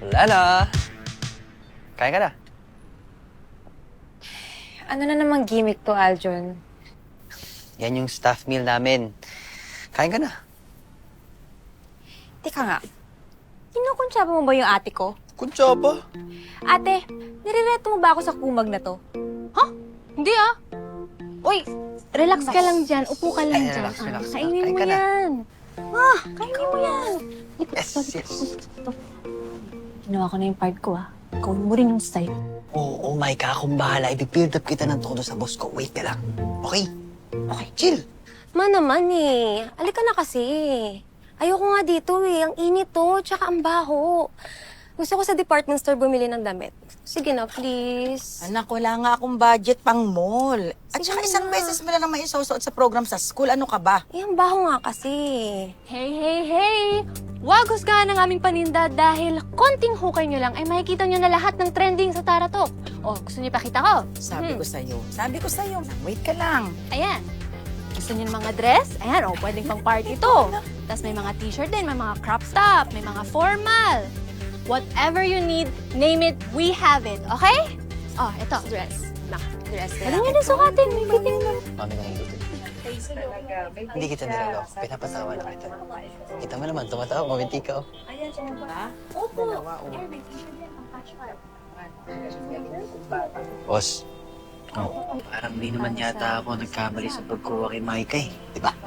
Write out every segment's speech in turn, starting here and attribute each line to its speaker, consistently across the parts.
Speaker 1: Lala! Kain ka na.
Speaker 2: Ano na namang gimmick to, Aljon?
Speaker 1: Yan yung staff meal namin. Kain ka na.
Speaker 2: Teka nga, kinukuntsaba mo ba yung ate ko?
Speaker 1: Kuntsaba?
Speaker 2: Ate, nirereto mo ba ako sa kumag na to?
Speaker 3: Hindi ah.
Speaker 2: Uy,
Speaker 3: Relax ka lang dyan. Upo ka lang
Speaker 1: Ay,
Speaker 3: dyan.
Speaker 1: relax.
Speaker 3: Kainin
Speaker 1: Kain
Speaker 3: mo
Speaker 1: ka na.
Speaker 3: yan.
Speaker 2: kainin mo yan.
Speaker 1: Yes, yes.
Speaker 3: Ginawa ko na yung part ko Gawin mo rin yung style.
Speaker 1: Oh my God, akong bahala. I-build up kita ng todo sa boss ko. Wait ka lang. Okay? Okay, chill.
Speaker 2: Naman Alika na kasi. Ayoko nga dito Ang init to, tsaka ang baho. Gusto ko sa department store bumili ng damit. Sige na, please.
Speaker 4: Anak, wala nga akong budget pang mall. At
Speaker 2: Sige
Speaker 4: saka isang
Speaker 2: na.
Speaker 4: beses mo na lang maisusuot sa program sa school. Ano ka ba?
Speaker 2: Ang baho nga kasi.
Speaker 3: Hey! Huwag husgahan ng aming paninda dahil konting hukay nyo lang ay makikita nyo na lahat ng trending sa Taratok. O, gusto nyo pakita ko?
Speaker 4: Sabi ko sa'yo. Wait ka lang.
Speaker 3: Ayan. Gusto niyo ng mga dress? Ayan, pwedeng pang party to. Tapos may mga t-shirt din, may mga crop top, may mga formal. Whatever you need, name it, we have it. Okay? Oh, ito.
Speaker 2: Dress. Dress.
Speaker 3: Pwede nyo din sukatin. May fitting mo.
Speaker 1: Mami ka hindi. Hindi kita niloloko. Pinapatawa na kita. Kita mo naman, tumatawa. Maminti ka. Boss. Parang di naman yata ako nagkamali sa pagkuha kay Micah Di ba?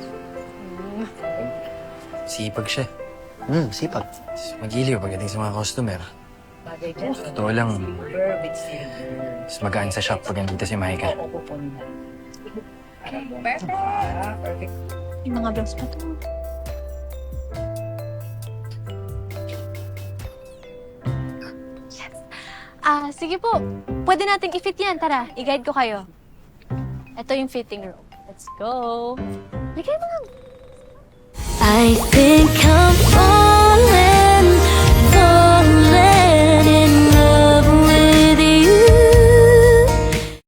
Speaker 5: Sipag siya.
Speaker 1: Sipag.
Speaker 5: Magiliw pagdating sa mga customer. Totoo lang, mas magaan sa shop pag nandito si Micah.
Speaker 3: Yung mga blouse pa to. Sige po. Pwede nating i-fit yan. Tara, i-guide ko kayo. Ito yung fitting room. Let's go. Bigay mo lang.
Speaker 6: I think I'm